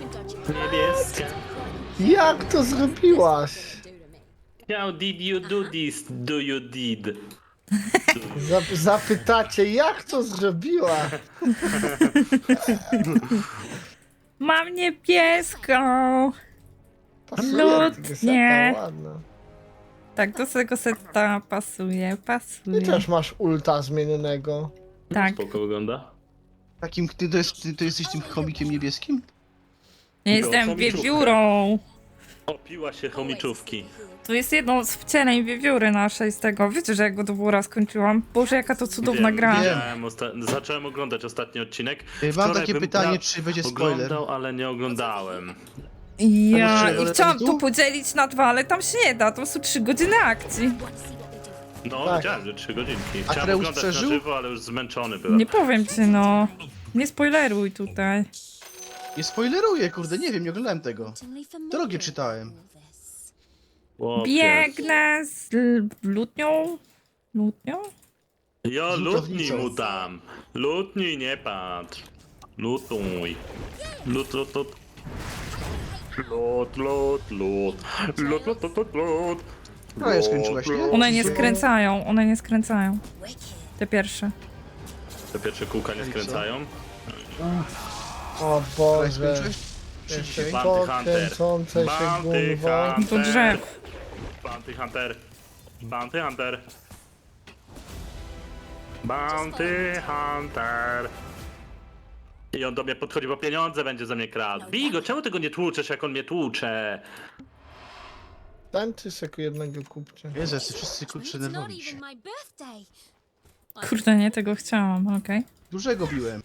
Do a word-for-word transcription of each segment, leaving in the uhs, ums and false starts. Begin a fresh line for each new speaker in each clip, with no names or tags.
Niebieska.
Jak to zrobiłaś?
How did you do this? Do you did?
Zap zapytacie, jak to zrobiła?
Mam niebieską.
Pasuje,
Lutnie.
seta, ładna.
Tak, do tego seta pasuje, pasuje.
Ty też masz ulta zmienionego.
Tak,
Spoko wygląda.
Takim, ty, to jest, ty, to jesteś tym chomikiem niebieskim?
ja jestem
chomiczówkę.
wiewiórą.
Opiła się chomiczówki.
To jest jedną z wcieleń wiewióry naszej z tego. Wiecie, że jak go do wóra skończyłam? Boże, jaka to cudowna
Wiem,
gra.
widziałem osta- Zacząłem oglądać ostatni odcinek.
Mam
Wczoraj
takie
bym
pytanie,
pra-
czy będzie spoiler?
Oglądał, ale nie oglądałem.
Ja
Ale
i
ale
chciałam
tu?
to podzielić na dwa, ale tam się nie da. To są trzy godziny akcji.
No,
Tak.
widziałem, że trzy godzinki. Chciałem
Atreus
oglądać
przeżył?
na żywo, ale już zmęczony byłem.
Nie powiem ci, no. Nie spoileruj tutaj.
Nie spoileruję, kurde, nie wiem, nie oglądałem tego. Drogie czytałem.
Chłopie.
Biegnę z l- lutnią. Lutnią?
Jo,
Z
lutnij
lutownicą.
mu tam. Lutnij, nie patrz. Lutuj. Lut, lut, lut. Lut, lut, lut. Lut, lut, lut, lut, lut.
No, ja skończyłaś, nie?
One nie skręcają, one nie skręcają. Te pierwsze.
Te pierwsze kółka nie skręcają.
O
Wczoraj
Boże.
skończyłeś? Czy
Jeszcze
dzisiaj?
Bounty Hunter.
kręcące się
Bounty
gumwa.
Hunter.
Do drzew.
Bounty Hunter. Bounty Hunter. Bounty Hunter. I on do mnie podchodzi, bo pieniądze będzie za mnie kradł. Bij go, czemu tego nie tłuczesz, jak on mnie tłucze?
Ten czy seku jednego kupcie.
Jezu, jacy wszyscy kurczę nerwowi się.
Kurde, nie tego chciałam, okej.
Dużego biłem.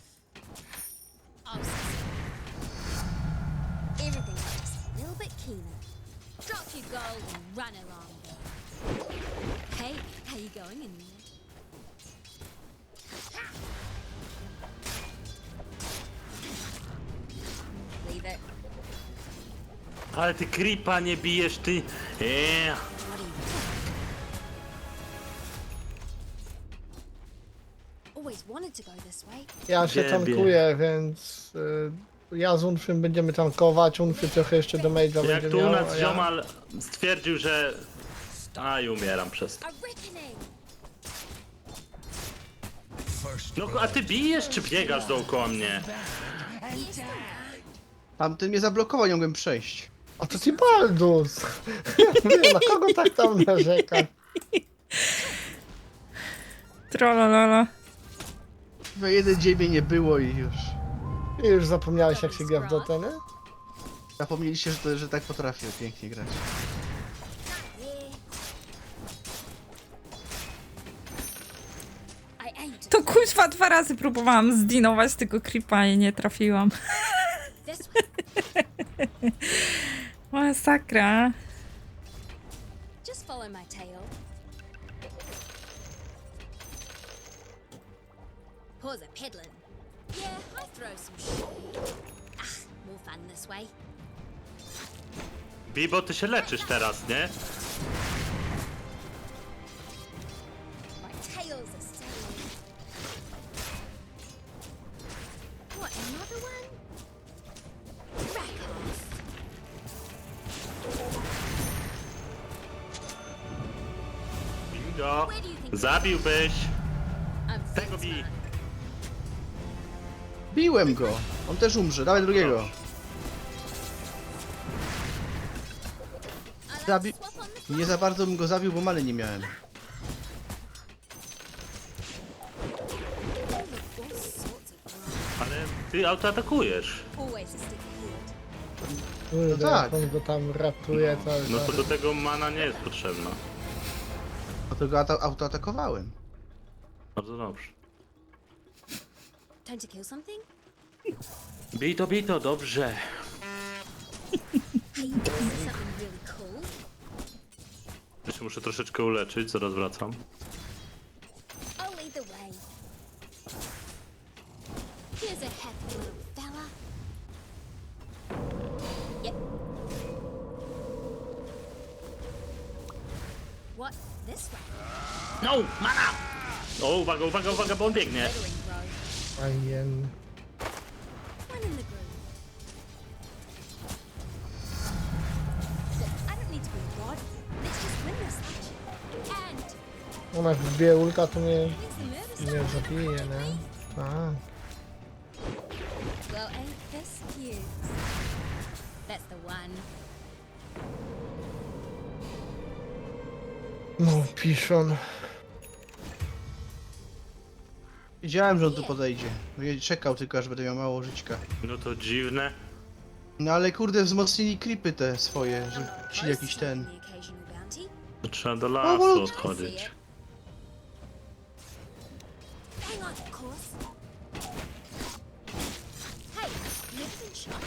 Everything just a little bit keener. Drop your gold and run along. Hey, how you going in there? Leave it.
Ale ty creepa nie bijesz, ty. Eee.
Always wanted to go this way.
Ja się
Ciebie.
tankuję, więc y, ja z Unfrym będziemy tankować. Unfry trochę jeszcze do mage'a
Jak
będzie
tu u
miał,
nas
a ja...
ziomal stwierdził, że... A i umieram przez to.
A reckoning.
No a ty bijesz czy biegasz dookoła mnie?
Tamten mnie zablokował, nie mogłem przejść.
A to ci Baldus! Ja mówię, na kogo tak tam narzeka?
Trollololo.
We jeden dzień mnie nie było i już.
I już zapomniałeś jak się gra w Dotę, nie?
Zapomnieliście, że, to, że tak potrafię pięknie grać.
I aimed
To kuźwa dwa razy próbowałam zdinować tego creepa i nie trafiłam.
this way.
Masakra.
Just follow my tail. Pause a peddling. Yeah, I throw some shade. Ah, more fun this way.
Bibo, ty się leczysz teraz, nie?
My tail's a sailing. What, another one? Rack off.
Bingo.
Where do you think
Zabiłbyś.
I'm
Tego bij.
Fitzman.
Biłem go! On też umrze, dawaj drugiego.
I like
Zabi-
to swap on the
Nie za bardzo bym go zabił, bo many nie miałem.
all sorts of variety.
Ale ty autoatakujesz.
Always a stick ahead.
Kurde,
tak.
jak on go tam ratuje cały
No
czas.
to do tego mana nie jest potrzebna.
Dlatego auto autoatakowałem.
Bardzo dobrze.
Time to kill something?
Bij to, bij to, dobrze.
Hey, you want to see something really cool?
Jeszcze muszę troszeczkę uleczyć, zaraz wracam.
I'll lead the way. Here's a happy little fella. Yep. What? This way?
No, mana! O, uwaga, uwaga, uwaga, bo on biegnie.
Littering, bro.
Fajnie.
One in the groove.
Ona jak wbije ulta, to mnie
It's the murder
nie zabije, nie? Tak.
Well, ain't this cute? That's the one.
No, piszon.
Wiedziałem, że on tu podejdzie. No ja czekał tylko, aż będę miał mało żyćka.
No to dziwne.
No ale kurde, wzmocnili creepy te swoje, że ci jakiś ten...
The occasional bounty.
To trzeba do
No,
lasu
bo-
odchodzić.
Hang on, of course. Hey, never been shot.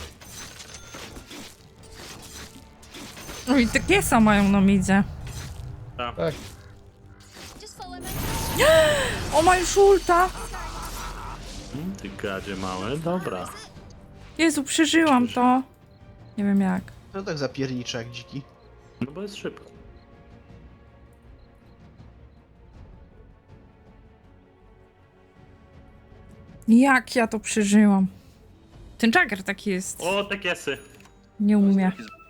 No i te kiesa mają na midzie.
Tak.
Tak.
Just follow me.
O, ma już ulta!
Mm, Ty gadzie małe, dobra.
Jezu, przeżyłam to. Nie wiem jak.
To tak zapiernicza jak dziki.
No bo jest szybko.
Jak ja to przeżyłam? Ten Jagger taki jest.
O, te kiesy.
Nie umie.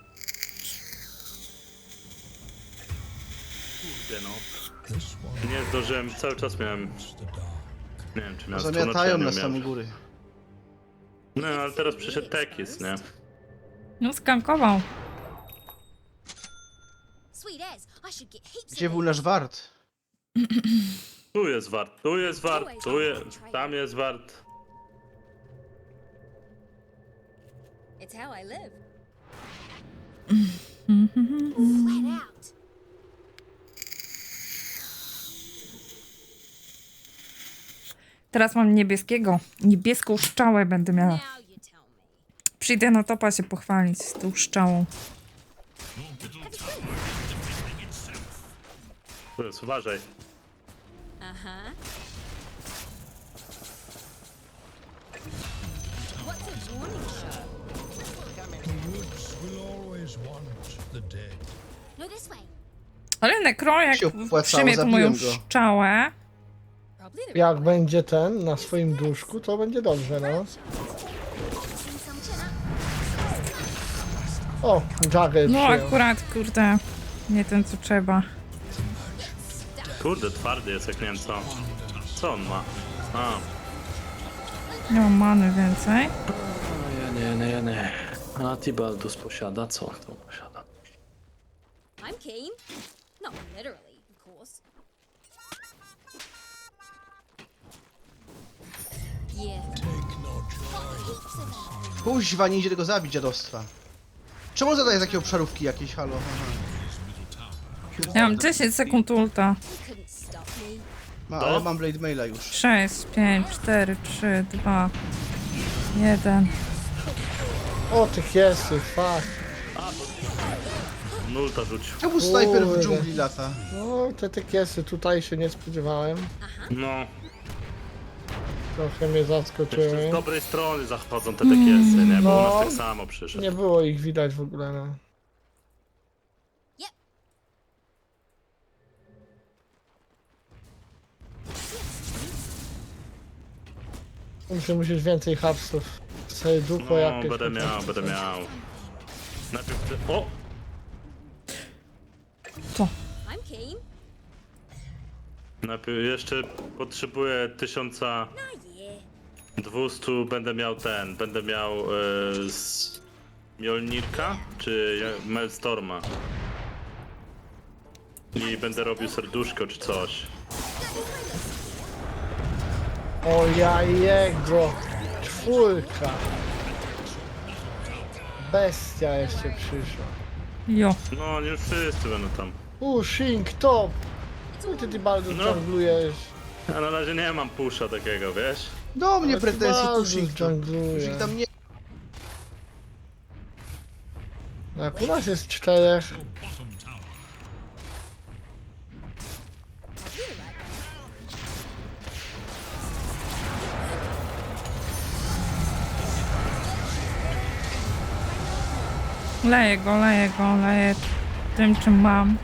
Kurde no. Nie zdążyłem, cały czas miałem... Nie wiem, czy miałem
Zamiatają
stronę,
nas
czy ja
tam
nie
u
miałem.
góry.
No, ale teraz przyszedł tekis, nie?
No skankował.
Sweet as. I should get heaps
Gdzie
of
był
these.
nasz wart?
Tu jest wart, tu jest wart, tu jest... Tam jest wart.
It's how I live. Flat out.
Teraz mam niebieskiego. Niebieską szczałę będę miała.
Now you tell me.
Przyjdę na topa się pochwalić z tą szczałą.
Tu jest, uważaj.
Uh-huh. What's a warning shot?
Will always want the dead.
No, this way.
Ale Nekro, jak
Się opłacało,
przyjmie tą moją
zabiłem go.
szczałę,
Probably the
Jak będzie ten na swoim duszku, to będzie dobrze, no.
seen some chin up.
O, Jagger
no
przyjął.
akurat, kurde, nie ten co trzeba.
Kurde, twardy jest, jak nie wiem co. Co on ma? A.
Nie mam many więcej.
Nie, nie, nie, nie. A Tibaldus posiada co? To posiada.
I'm keen. Not literally, of course. Yeah.
Take no joy.
Heaps of them.
Kuźwa, nie idzie tego zabić, dziadostwa. Czemu on zadaje takie obszarówki jakieś, halo? Aha.
Ja mam dziesięć sekund ulta.
You couldn't stop me.
Ma,
To?
ale mam Blade Maila już.
sześć, pięć, cztery, trzy, dwa, jeden.
O, tych jest, fuck.
Nulta rzucił.
Czemu snajper w
Kurde.
dżungli lata?
No, te tekiesy tutaj się nie spodziewałem.
No.
Trochę mnie
Jeszcze
zaskoczyły.
z dobrej strony zachodzą te tekiesy, nie? Bo u
No.
nas tak samo przyszedł.
Nie było ich widać w ogóle, no.
Yep.
Muszę musisz więcej hapsów. Serducho
No,
jakieś.
będę
chociaż.
miał, będę miał. Najpierw ty... O!
Co?
I'm keen.
Najpierw jeszcze potrzebuję tysiąca
Ah, yeah.
dwustu, będę miał ten, będę miał e, z Mjolnirka, czy ja- Maelstorma. I będę robił serduszko czy coś.
O ja jego. Czwórka. Bestia jeszcze przyszła.
Jo.
No, nie wszyscy będą tam.
Pushing top. Co ty ty bardzo
No.
dżunglujesz?
Ja na razie nie mam pusza takiego, wiesz?
Do mnie
Ale ty
pretensje,
bardzo
Tushik to.
dżungluje.
Tushik tam nie...
Jak u nas jest czterech.
Bottom tower.
Leję go, leję go, leję tym czym mam.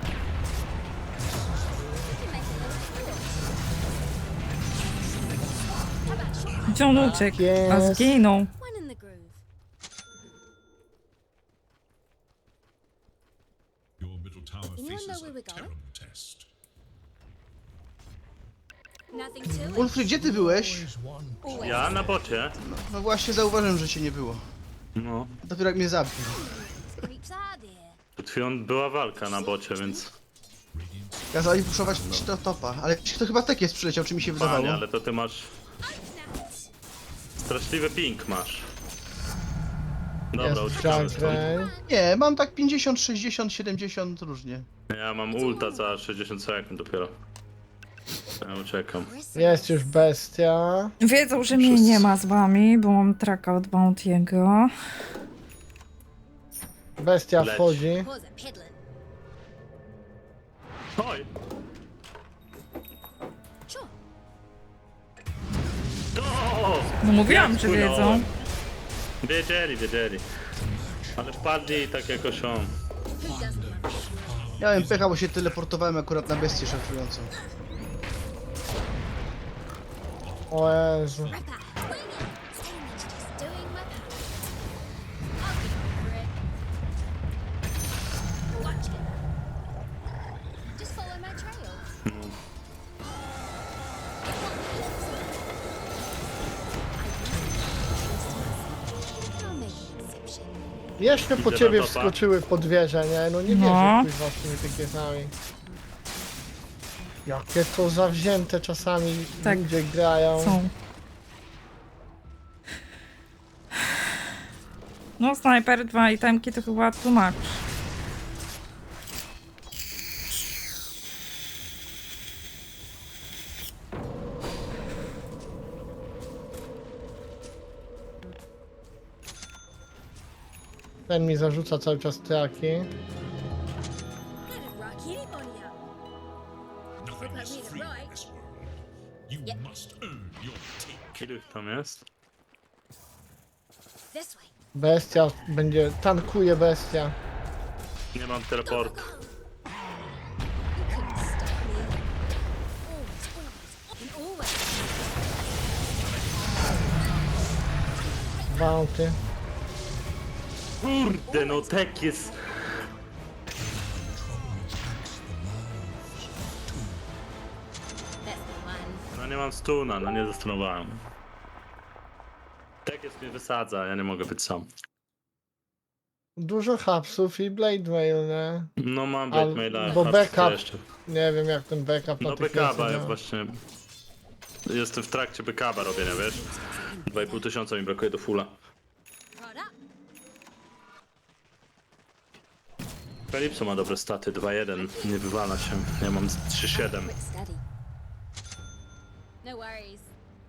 Gdzie on uciekł? A
Jest.
zginął.
One in the groove.
Your middle tower
Anyone know
faces
where
a
we're going?
terrible test.
Nothing to it.
Ulfry, gdzie ty byłeś?
Always one.
Always.
Ja na bocie.
No właśnie zauważyłem, że cię nie było.
No.
Dopiero jak mnie zabił.
Creeps are there.
Przed chwilą była walka na bocie, więc...
Kazali puszować to topa, ale to chyba tek jest przyleciał, czy mi się wydawało.
Panie, ale to ty masz... Straszliwy ping masz. Dobra,
Jest
uciekamy stąd.
Junkrey.
Nie, mam tak pięćdziesiąt, sześćdziesiąt, siedemdziesiąt różnie.
Ja mam ulta za sześćdziesiąt sekund dopiero. Ja uciekam.
Jest już bestia.
Wiedzą, że mnie nie ma z wami, bo mam traka od Bounty'ego.
Bestia
Leć.
wchodzi.
Pause a peddling.
Oj!
Sure.
O!
No mówiłam,
Jak
że
wpłynąłem.
wiedzą.
Wiedzieli, wiedzieli. Ale wpadli tak jakoś on.
Who doesn't love a shield?
Miałem pecha, bo się teleportowałem akurat na bestię szafującą.
O Jezu.
Ripper, wing it. Stanley's just doing my part. I'll get over it. Watch it. Just follow my trail. I'll make an exception.
Jeszcze po
Idę
ciebie
na topa.
wskoczyły pod wieżę, nie? No nie
No.
wierzę kuźwa z tymi tykietami. Jakie to zawzięte czasami
Tak.
ludzie grają.
Są. No, snajper, dwa itemki to chyba tłumacz.
Ten mi zarzuca cały czas traki.
That'd rock anybody up.
Nothing
Look
is
at me,
free in
right?
this world. You must earn your take.
Ilu ich tam jest?
This way.
Bestia będzie, tankuje bestia.
Nie mam teleportu.
You couldn't stop me. Always, always, and always.
Bounty.
Kurde, no tek jest...
That's the one.
No nie mam stuna, no nie zastunowałem. Tek jest mnie wysadza, ja nie mogę być sam.
Dużo hapsów i blade mail, nie?
No mam
Ale-
blackmaila,
bo
a
backup
co jeszcze?
Nie wiem jak ten backup na
No
tych
backupa
jest,
ja
nie?
właśnie... Jestem w trakcie backupa robienia, wiesz? dwa i pół tysiąca mi brakuje do fulla.
Right up.
Kalipso ma dobre staty, dwa jeden, nie wywala się. Ja mam trzy siedem.
Quick study. No worries.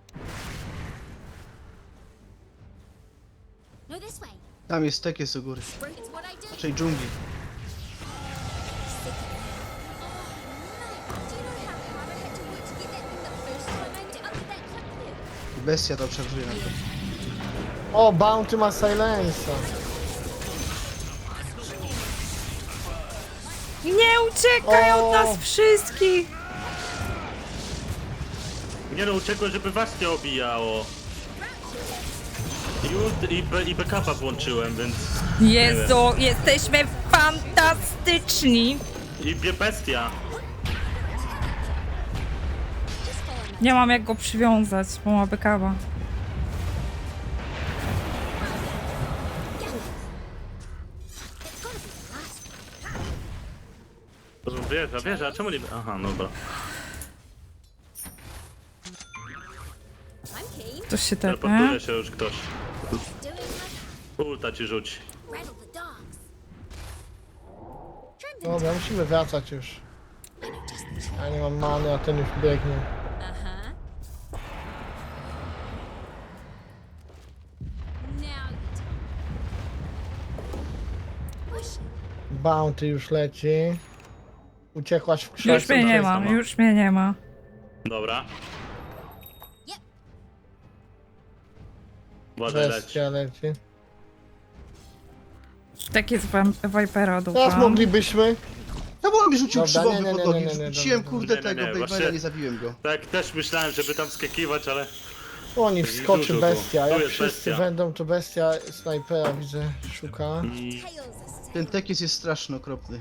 No, this way.
Tam jest tek jest u góry.
Spring, it's what I do.
Czyli dżungli.
Sick of it. Oh, no. Do you know how hard I had to work to get that thing the first time I did? I'll get that clip there.
Bestia to obserwuje na to.
O, Bounty ma silensa.
Nie uciekaj
O!
od nas wszystkich!
Nie no, uciekło, żeby was nie obijało. I, ult, i, be, i backupa włączyłem, więc...
Jezu, jesteśmy fantastyczni!
I bie bestia.
Just follow my
Nie mam jak go przywiązać, bo ma bekawa.
It's gotta be the last one.
To wieża, wieża, a czemu nie... Aha, dobra.
I'm keen.
Ktoś się
Teleportuje
tepnie.
się już ktoś.
Doing my
Ulta ci rzuci.
rattle the dogs. Trim them.
Dobra, musimy wracać już.
I know just the trick.
Ja nie mam many, a ten już biegnie.
Uh-huh. Now you do. Push.
Bounty już leci. Uciekłaś w
Już
krzak.
mnie nie
ma.
ma, już mnie nie ma.
Dobra.
Yep.
Uważaj, leć.
Bestia leci.
Tak jest wam- Vipera
Teraz
dupa.
moglibyśmy.
No bo on mi rzucił
Dobra,
krzywowy
nie, nie,
pod
nie,
nogi.
nie, nie, nie,
Rzuciłem
dobra,
kurde
dobra. Nie,
tego
nie, nie,
Blade'a,
właśnie-
nie zabiłem go.
Tak, też myślałem, żeby tam skakiwać, ale...
Oni
Dużo
wskoczy
było.
bestia.
Tu
Jak
jest
wszyscy
bestia.
będą, to bestia snajpera widzę, szuka.
Mm,
Tails are set.
Ten tekis jest straszny, okropny.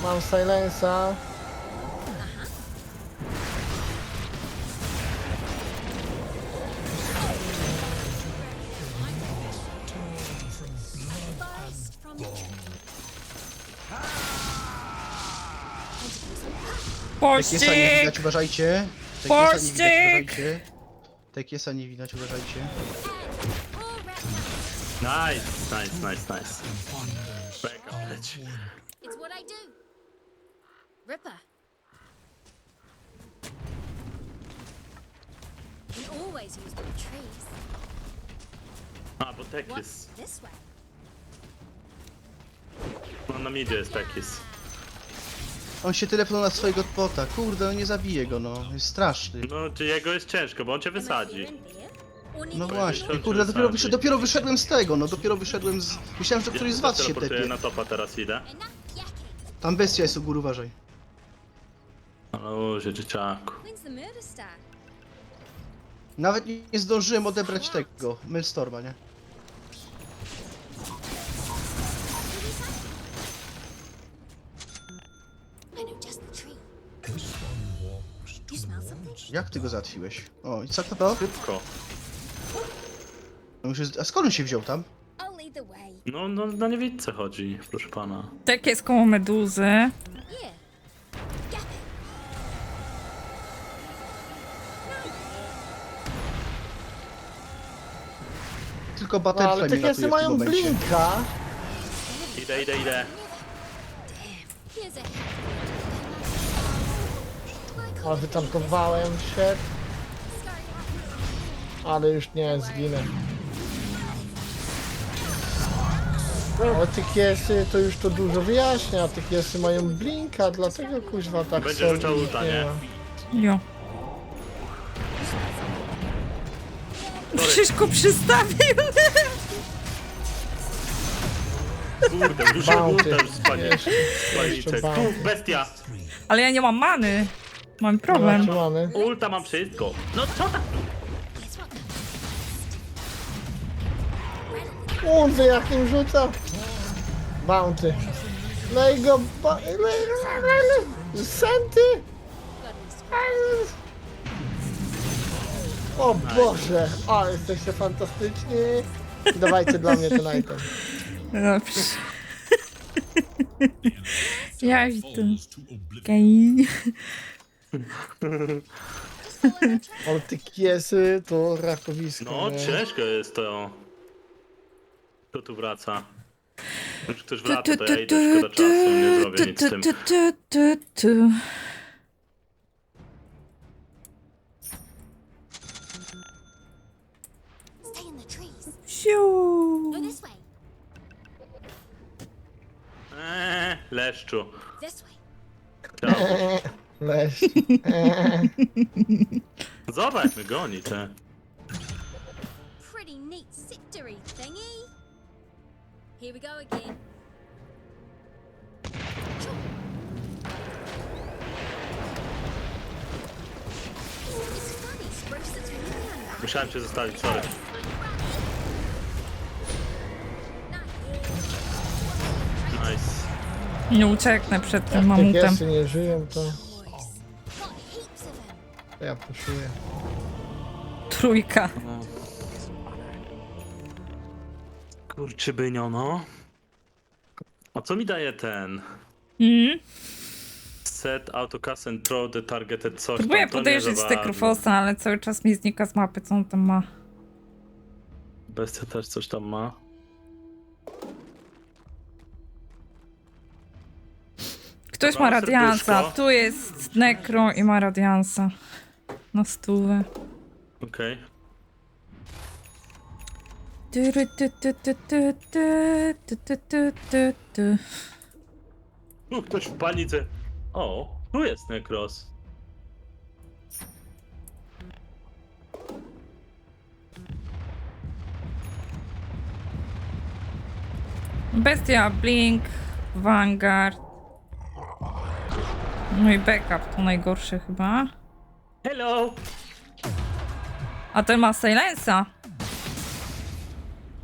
Mam silensa.
Burst from the tree.
Pościg!
Tekiesa nie widać, uważajcie. Tekiesa nie widać,
Pościg!
uważajcie. Tekiesa nie widać, uważajcie.
All wrapped up.
Nice, nice, nice, nice. Beka leci.
It's what I do. Ripper. We always use the trees.
A, bo
What?
Tekis.
This way.
No na midzie jest Tekis.
On się telefonuje na swojego bota. Kurde, no nie zabije go, no. Jest straszny.
No, czy jego jest ciężko, bo on cię
Am I
wysadzi.
here in here? Or near
No
the
właśnie,
Kończy
kurde, dopiero,
wysadzi.
wyszedłem, dopiero wyszedłem z tego, no dopiero wyszedłem z... Myślałem, że któryś z was się
teleportuję
tepie.
na topa teraz idę.
Enough yakking.
Tam bestia jest u góry, uważaj.
O, się dzieciaku.
When's the murder start?
Nawet nie, nie zdążyłem odebrać tego, Maelstorma, nie?
I know just the tree. You smell something?
Jak ty go załatwiłeś? O, i co to?
Szybko.
No, musisz- A skąd on się wziął tam?
I'll lead the way.
No, no na niewidce chodzi, proszę pana.
Tak jest koło meduzy.
Yeah. Gap it.
Tylko
No,
Butterfly
ale
mnie
te
ratuje
kiesy
w tym
mają
momencie.
blinka.
Idę, idę, idę.
Here's a
Ale wytankowałem się, ale już nie zginę. Ale te kiesy to już to dużo wyjaśnia, te kiesy mają blinka, dlatego kuźwa tak
Będzie
są,
rzucał
ich
ulta, nie?
ma.
Jo. Krzyżku przystawił!
Kurde, duży
Bounty.
ulta już spaliczek.
Jeszcze-
Spaliczek.
jeszcze
Tu,
bounty.
bestia.
Ale ja nie mam many. Mam problem.
Zatrzymany.
Ulta mam wszystko. No co tak?
guess what?
Unzy jak nim rzuca. Bounty. Lej go, ba- lej, lej, lej, lej. Senty. O Boże, ale jesteście fantastyczni. Dawajcie dla mnie ten item.
Dobrze. Ja idę.
Falls to oblivion.
Okej.
Ale te kiesy to rakowisko.
No,
nie?
ciężko jest to. Kto tu wraca? Już ktoś
Tu,
wraca,
tu,
to
tu,
ja idę, szkoda
tu,
czasu, nie zrobię
tu,
nic z tym.
tu, tu, tu, tu.
Stay in the trees.
Siu.
Go this way.
Eee, leszczu.
This way.
Chciałbyś.
Leś.
Zobacz, jak mnie goni, te.
Pretty neat victory thingy. Here we go again. Sure. It's funny, Spruce, it's really unlucky.
Musiałem cię zostawić, sorry. Nice.
Nie ucieknę przed tym
Te
mamutem.
kiesy nie żyją, to,
Boys. Got heaps of them.
to ja puszuję.
Trójka.
Kurczybynio, no. A co mi daje ten?
Mm.
Set autocast and throw the targeted coś
Próbuję
tam, to nie
podejrzeć
za
z
bardzo.
Tekrofosa, ale cały czas mi znika z mapy, co on tam ma.
Bestia też coś tam ma.
Ktoś
Dobra,
ma radiansa.
serduszko.
Tu jest Necro i ma radiansa. Na stówę.
Okej.
Tyry, ty, ty, ty, ty, ty, ty, ty, ty, ty, ty.
Okay. Ktoś w panice. O, tu jest Necros.
Bestia, Blink, Vanguard. No i backup to najgorsze chyba.
Hello!
A ten ma Silensa.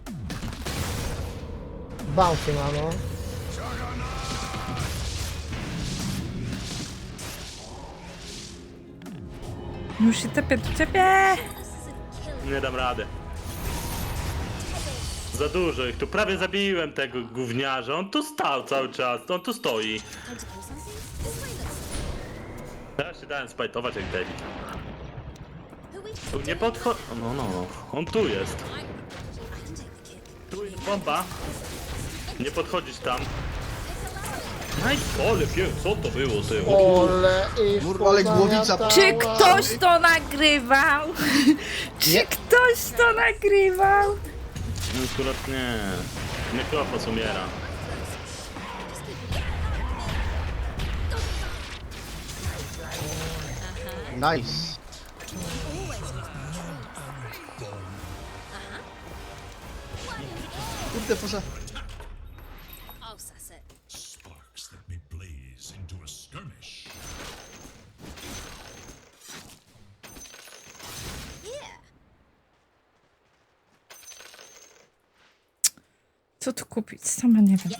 Bounty ma, no.
Już się tepię do ciebie.
Nie dam rady. Za dużo ich tu. Prawie zabiłem tego gówniarza. On tu stał cały czas. On tu stoi.
Time to kill something? This way looks.
Ja się dałem spajtować jak debil.
Who we?
Tu nie podchodź... No, no, no. On tu jest.
I can take the kick.
Tu jest bomba. Nie podchodzić tam. Aj, ole, pie, co to było, ty?
Ole i
Kurwa, ale głowica-
Czy ktoś to nagrywał? Czy
Nie.
ktoś to nagrywał?
No, akurat nie. Nekrofos umiera.
Nice. Kurde, poza...
Oh, suss it.
Sparks that may blaze into a skirmish.
Yeah.
Co tu kupić? Sama nie wiem.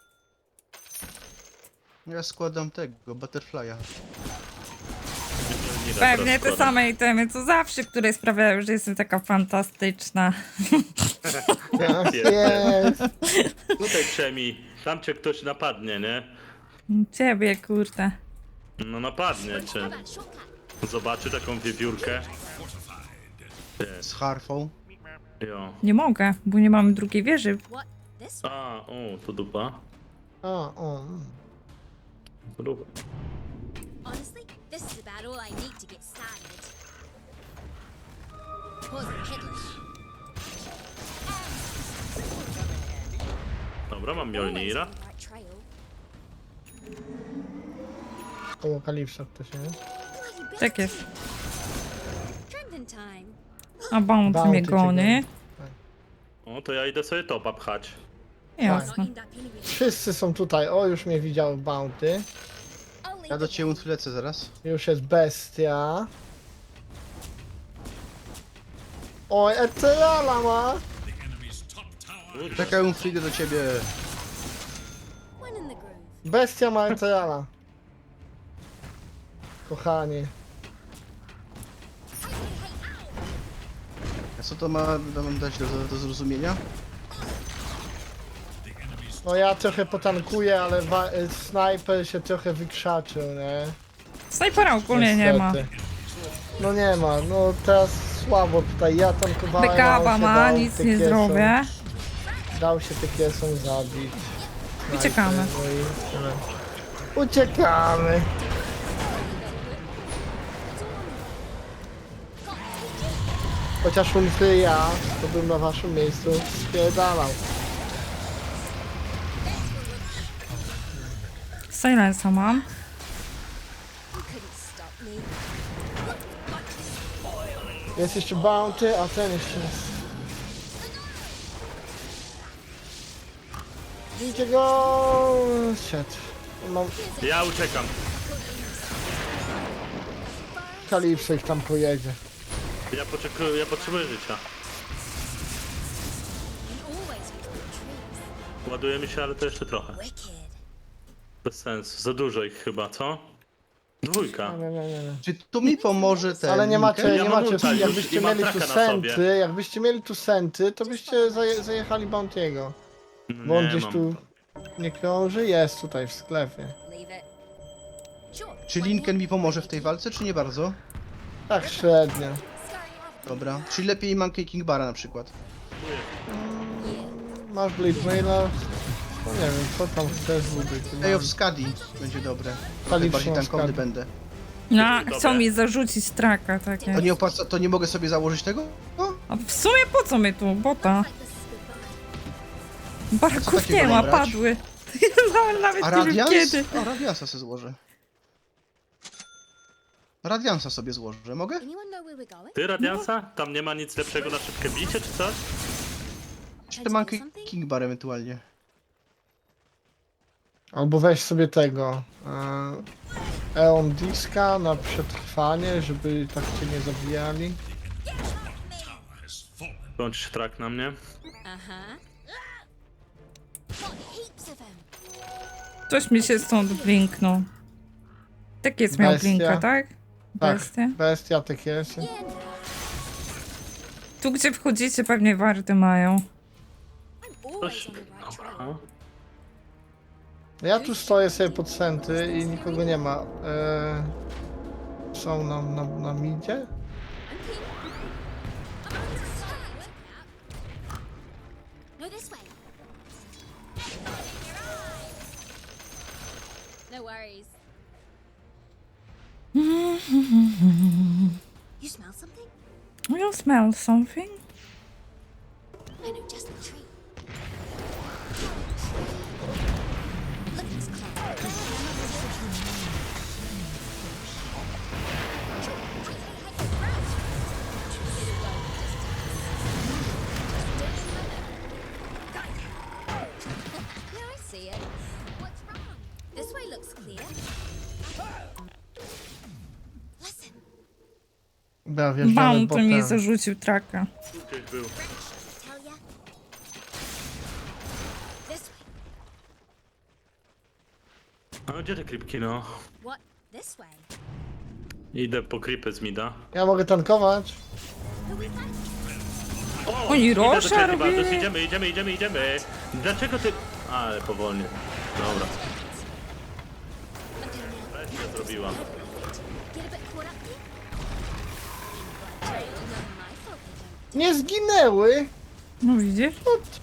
Ja składam tego, butterfly'a.
Nie da
Pewnie
teraz
te same itemy co zawsze, które sprawiają, że jestem taka fantastyczna.
Tak
Jest.
jest.
Tutaj przemi. Tam cię ktoś napadnie, nie?
Ciebie, kurde.
No napadnie cię.
How about shortcut?
Zobaczy taką wiewiórkę.
Z harfą.
Jo.
Nie mogę, bo nie mamy drugiej wieży.
What? This?
A, o, to dupa.
A, o. mm.
To dupa.
Honestly, this is about all I need to get started. Pause it, headless.
Dobra, mam
Always
Mjolnira.
on the right trail.
Koło Kalipsa ktoś jest.
Bloody
Tak jest.
Trending time.
A bounty
Bounty
mnie
cię
goni.
O, to ja idę sobie topa pchać.
Not
Jasne.
aimed at anyway.
Wszyscy są tutaj. O, już mnie widział Bounty.
Only
Ja do
the
ciebie lecę zaraz.
Już jest bestia. Oj, Eterala ma!
The enemy's top tower.
Czekaj, przyjdę do ciebie.
one in the groove.
Bestia ma Eterala. Kochanie.
A co to ma nam dać do, do zrozumienia?
No ja trochę potankuję, ale wa- y, snajper się trochę wykrzaczył, nie?
Snajpera ogólnie nie ma.
Niestety. No nie ma, no teraz słabo tutaj, ja tankowałem, a
Bekaba
on się
ma,
dał
nic nie
tykiesom-
zrobię.
Dał się tykiesom zabić.
Uciekamy.
No i tyle. Uciekamy. Chociaż umfry ja, to bym na waszym miejscu spierdalał.
Silensa mam.
You couldn't stop me.
Jest jeszcze Bounty, a ten jeszcze jest. Widzicie go! Shit. Mam
Ja uciekam.
Kalipso ich tam pojedzie.
Ja, poczekuję, ja potrzebuję życia.
And always use the trees.
Ładujemy się, ale to jeszcze trochę.
Wicked.
Bez sensu. Za dużo ich chyba, co? Dwójka.
Nie, nie, nie, nie.
Czy tu mi pomoże ten
Ale nie macie,
linker?
Ja
nie
mam
macie,
ulta już
jakbyście
i mam
mieli tu
traka na sobie.
senty, jakbyście mieli tu senty, to byście zaje, zajechali Bounty'ego. Bo on
Nie
gdzieś
mam.
tu nie krąży, jest tutaj w sklepie.
Leave it. Sure.
Czy Linken mi pomoże w tej walce, czy nie bardzo?
Tak średnio.
Dobra. Czyli lepiej Monkey King Bara na przykład.
Masz Blade Maila? No nie wiem, co tam chcesz zbudować.
Ej, of Skadi będzie dobre. Trochę
Kalipso
bardziej
of
tankowny
Skadi.
będę.
No,
Dobre.
chcą mi zarzucić traka, tak
To
jest.
nie opłaca, to nie mogę sobie założyć tego? No,
A w sumie po co my tu? Bota.
Like this is goodbye.
Baraków
takiego
nie ma,
mam brać?
padły. Ja nawet
a
nie wiem
Radians?
kiedy.
O, Radiansa sobie złożę. Radiansa sobie złożę, mogę?
Anyone know where we're going?
Ty, Radiansa? Tam nie ma nic lepszego na szybkie bicie, czy coś?
Czy Monkey King Bar ewentualnie?
Albo weź sobie tego. E, Eon Diska na przetrwanie, żeby tak cię nie zabijali.
Has fallen.
Kończysz trak na mnie.
Uh-huh. Got heaps of them.
Coś mi się stąd blinknął. Tak jest miał
Bestia.
blinka, tak?
Tak,
bestie.
bestia tak jest.
Tu gdzie wchodzicie pewnie warty mają.
I'm always
Coś...
on the right trail.
Dobra.
Ja tu stoję sobie pod centy i nikogo nie ma. E, są na, na, na midzie?
I'm keen. I'm on to start. No, this way. No worries. You smell something?
You smell something?
I know just the tree. Look at this cloud. Yeah, I see it. What's wrong? This way looks clear. Listen,
Dobra, wjeżdżamy
Bam, to mi
potem.
zarzucił traka.
Tu gdzieś był.
tell ya. This way.
A gdzie te creepki, no?
What? This way.
Idę po creepy z mida.
Ja mogę tankować.
Who we got?
O!
Oni
idę do
Rosza
ciebie,
robili.
Baldus, idziemy, idziemy, idziemy, idziemy. Dlaczego ty... Ale powolnie. Dobra.
Okay, now.
Bestia zrobiła.
Get a bit caught up here. Not my fault they don't.
Nie zginęły!
No widzisz?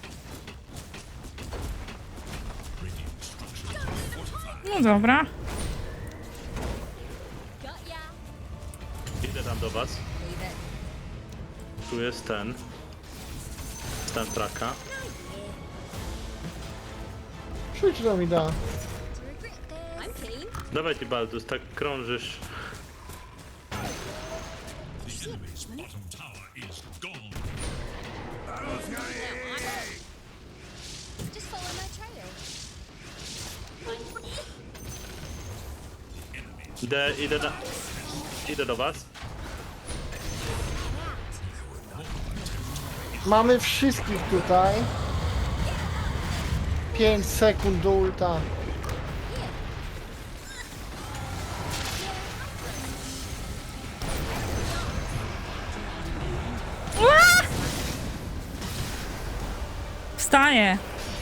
No dobra.
Got ya.
Idę tam do was.
Leave it.
Tu jest ten. Stan traka.
Przyjdź do mi da.
To regret this. I'm keen.
Dawaj ty, Baldus, tak krążysz.
The enemy's bottom tower is gone.
Just follow my trail.
Idę, idę na... Idę do was.
Mamy wszystkich tutaj. pięć sekund do ulta.
Wstaję.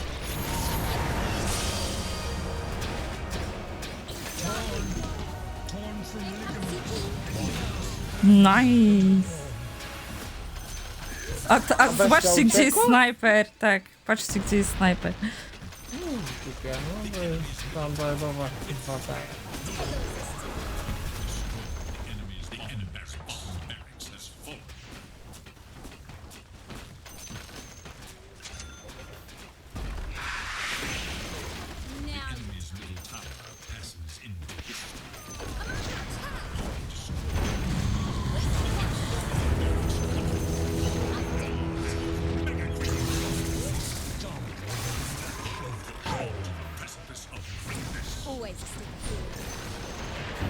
Nice. A, t- a zobaczcie, gdzie jest
uciekła?
snajper. Tak, patrzcie, gdzie jest snajper.
Głupie, no to jest standardowa chyba tak.
Enemies, the enemy's bottom barracks has fallen.
Now.
Enemy's middle tower passes into history. Precipice of greatness.
Always a step ahead.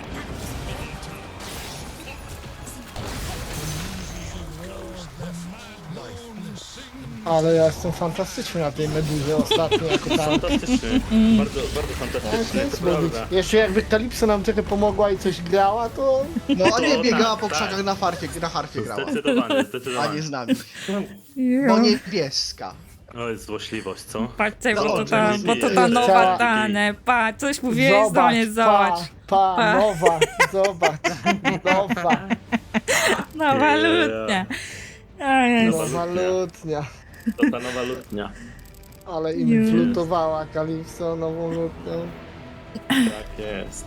Ale ja jestem fantastyczny na tej meduzie ostatnio jako tam.
Fantastyczny. Bardzo, bardzo fantastyczny, to prawda.
Jeszcze jakby Kalipso nam trochę pomogła i coś grała, to...
No a nie
O,
biegała
tak,
po
tak.
krzakach na farcie, na harfie grała.
Zdecydowanie,
A nie
zdecydowanie.
z nami.
Jo.
Bo niebieska.
O, jest złośliwość, co?
Patrzcie, bo to
Dobrze,
ta,
nie
bo to ta
żyje.
nowa
Chciała-
dane. Pa, coś mówiłeś do mnie, zobacz.
Pa, pa,
Pa.
nowa, zobacz, nowa,
Nowa
Yeah.
lutnia. O Jezu.
nowa lutnia.
To ta nowa lutnia.
Ale im
Już.
wlutowała Kalipso nową lutnią.
Tak jest.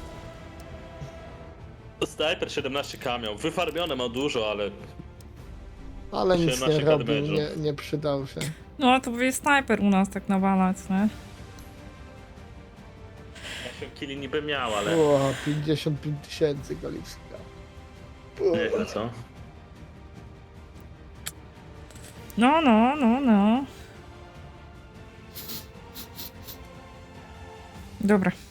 Sniper siedemnaście k miał. Wyfarmione ma dużo, ale...
Ale nic nie
siedemnaście
robił,
damage'u.
nie, nie przydał się.
No to powie snajper u nas tak nawalać, nie?
osiem kili niby miał, ale...
O, pięćdziesiąt pięć tysięcy Kalipska.
Nieźle, co?
No, no, no, no. Dobra.